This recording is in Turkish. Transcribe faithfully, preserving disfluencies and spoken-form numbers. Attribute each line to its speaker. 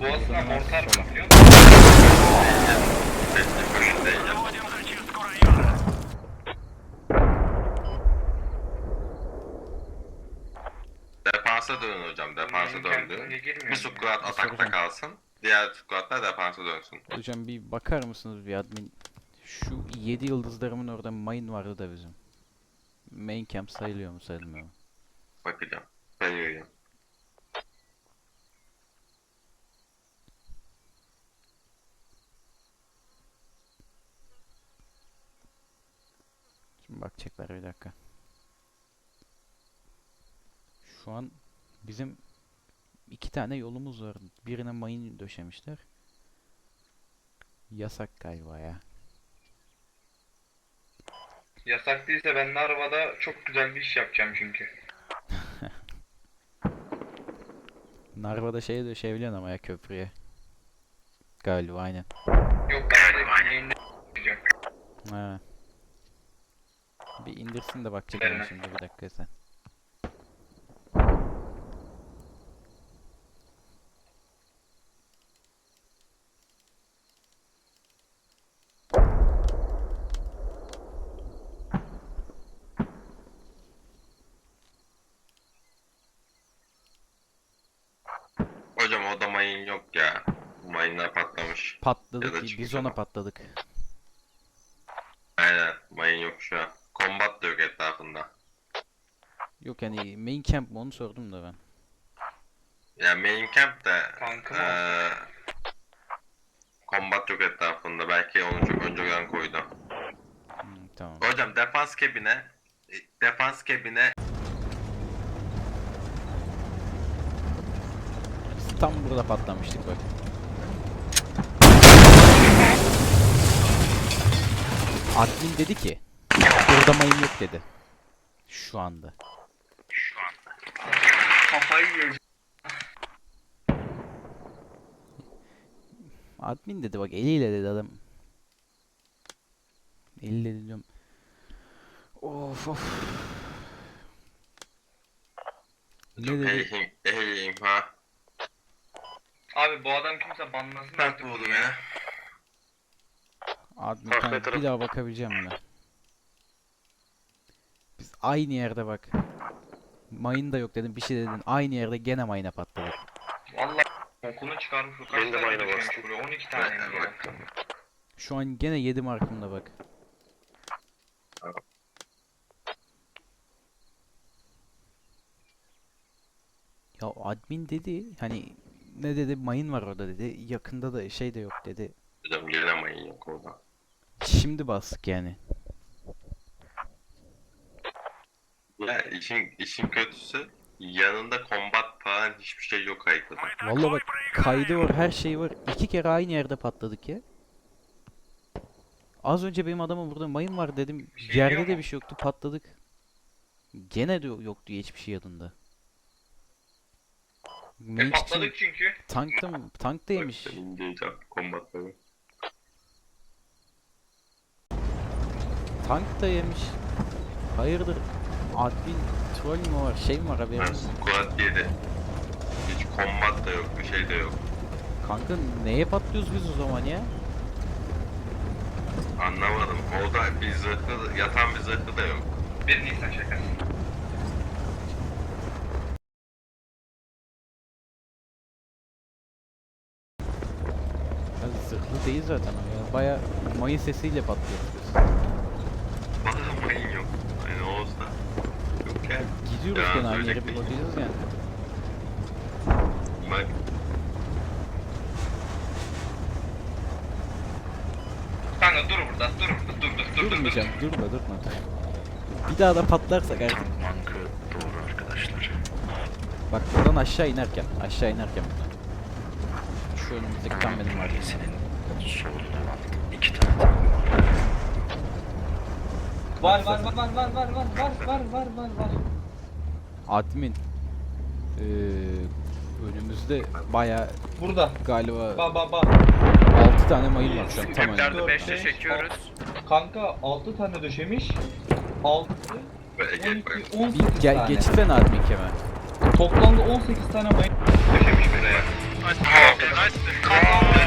Speaker 1: Boğazına
Speaker 2: Buradan hemen
Speaker 1: mortar
Speaker 2: sola.
Speaker 1: mı biliyor musun?
Speaker 3: Defansa dönün hocam, defansa
Speaker 1: Benim
Speaker 3: döndü.
Speaker 1: kendime girmiyor
Speaker 3: Bir
Speaker 1: ya.
Speaker 3: squad atakta
Speaker 2: soracağım.
Speaker 3: kalsın, diğer squadlar defansa dönsün.
Speaker 2: Hocam bir bakar mısınız bir admin? Şu yedi yıldızlarımın orada mine vardı da bizim. Main camp sayılıyor mu sayılmıyor mu?
Speaker 3: Bakacağım, sayıyorum.
Speaker 2: Şimdi bakacaklar bir dakika. Şu an bizim iki tane yolumuz var. Birine mayın döşemişler. Yasak galiba ya.
Speaker 1: Yasak değilse ben de arabada çok güzel bir iş yapacağım çünkü.
Speaker 2: Narva'da şeye döşeyebiliyorsun ama ya köprüye. Galiba aynen.
Speaker 1: Yok ben de yayında yapacağım.
Speaker 2: Ha. Bir indirsin de bakacak ama
Speaker 1: Verme.
Speaker 2: şimdi bir dakika sen.
Speaker 3: Hocam o da mayın yok ya. Mayınlar patlamış. Ya
Speaker 2: Patladık
Speaker 3: da
Speaker 2: ki
Speaker 3: çıkmış
Speaker 2: biz ona
Speaker 3: ama.
Speaker 2: patladık.
Speaker 3: Aynen, mayın yok şu an. Combat da yok etrafında.
Speaker 2: Yok yani main camp mı onu sordum da ben.
Speaker 3: Ya main camp de
Speaker 1: Tankım
Speaker 3: eee combat yok etrafında. Belki onu çok önceden koydu.
Speaker 2: Hmm, tamam.
Speaker 3: Hocam defans kebine defans kebine
Speaker 2: Biz tam burada patlamıştık bak. Admin dedi ki burada mayın yok dedi. Şu anda.
Speaker 1: kafayı yiyeceğim.
Speaker 2: Admin dedi bak eliyle dedi adam. Eliyle dedi diyorum. Of of. Ne dedi?
Speaker 3: ehim ehim ha.
Speaker 1: Abi bu adam kimse banlasın
Speaker 3: Ben
Speaker 1: artık
Speaker 3: buldum
Speaker 1: bunu
Speaker 3: ya.
Speaker 1: ya.
Speaker 2: Admin
Speaker 3: Bak,
Speaker 2: kanka,
Speaker 3: ne taraf-
Speaker 2: bir daha bakabileceğim mi? Biz aynı yerde bak. Mayın da yok dedim bir şey dedin. Aynı yerde gene mayına patladık.
Speaker 1: Vallahi okunu çıkarmış bu kaç
Speaker 3: Ben de
Speaker 1: tane
Speaker 3: mayına
Speaker 1: düşmüş
Speaker 3: bastım.
Speaker 1: buraya on iki tane
Speaker 3: Evet,
Speaker 1: ya.
Speaker 3: bak.
Speaker 2: Şu an gene yedi markımda bak. Ya admin dedi hani ne dedi mayın var orada dedi. Yakında da şey de yok dedi.
Speaker 3: Hocam gene mayın yok orada.
Speaker 2: Şimdi bastık yani.
Speaker 3: Ya işin işin kötüsü yanında combat falan hiçbir şey yok haritada.
Speaker 2: Vallahi bak kaydı var her şey var. İki kere aynı yerde patladık ya. Az önce benim adama burada mayın var dedim.
Speaker 1: Bir şey
Speaker 2: Yerde
Speaker 1: diyor
Speaker 2: de
Speaker 1: mu?
Speaker 2: bir şey yoktu patladık. Gene de yoktu hiçbir şey yanında.
Speaker 1: E
Speaker 2: Mage için
Speaker 1: patladık çünkü.
Speaker 2: tankta mı? Tank da yemiş.
Speaker 3: Ben inceleyeceğim combatları.
Speaker 2: Tank da yemiş. Hayırdır? Admin troll mü var? Şey mi var
Speaker 3: Ben
Speaker 2: haberiniz?
Speaker 3: squad yedi. Hiç combat da yok, bir şey de yok.
Speaker 2: Kanka neye patlıyoruz biz o zaman ya?
Speaker 3: Anlamadım. Orada bir zırhlı, yatan bir zırhlı da yok.
Speaker 1: Bir Nisan şakası.
Speaker 2: Ya zırhlı değil zaten o ya. Baya mayın sesiyle patlıyoruz biz.
Speaker 3: Bana mayın yok. Yani olsa. Yok ya.
Speaker 2: Gidiyoruz
Speaker 3: Ya,
Speaker 2: gene aynı yere
Speaker 3: söyleyecek
Speaker 2: bir
Speaker 3: bir şey
Speaker 2: bakacağız yani.
Speaker 3: Bak.
Speaker 1: Kanka dur burada dur burada dur dur dur dur dur.
Speaker 2: Durmayacağım, durma durma. Bir daha da patlarsak artık.
Speaker 4: Mankı doğru arkadaşlar.
Speaker 2: Bak buradan aşağı inerken, aşağı inerken buradan. Şu önümüzdeki tam benim var.
Speaker 4: Senin solunda olan iki tane tank var.
Speaker 1: Var var var var var var var var var var var var.
Speaker 2: Admin. Ee, önümüzde baya
Speaker 1: Burada.
Speaker 2: galiba
Speaker 1: Ba ba ba.
Speaker 2: altı tane mayın var şu an tam önümde.
Speaker 1: dört, beşte çekiyoruz. Kanka altı tane döşemiş. altı,
Speaker 3: Böyle
Speaker 1: on
Speaker 3: gel bak.
Speaker 1: iki, on
Speaker 2: Bir
Speaker 1: sekiz
Speaker 2: gel,
Speaker 1: tane.
Speaker 2: geçsene admin kemer.
Speaker 1: Toplamda on sekiz tane mayın döşemiş buraya.
Speaker 5: Nice.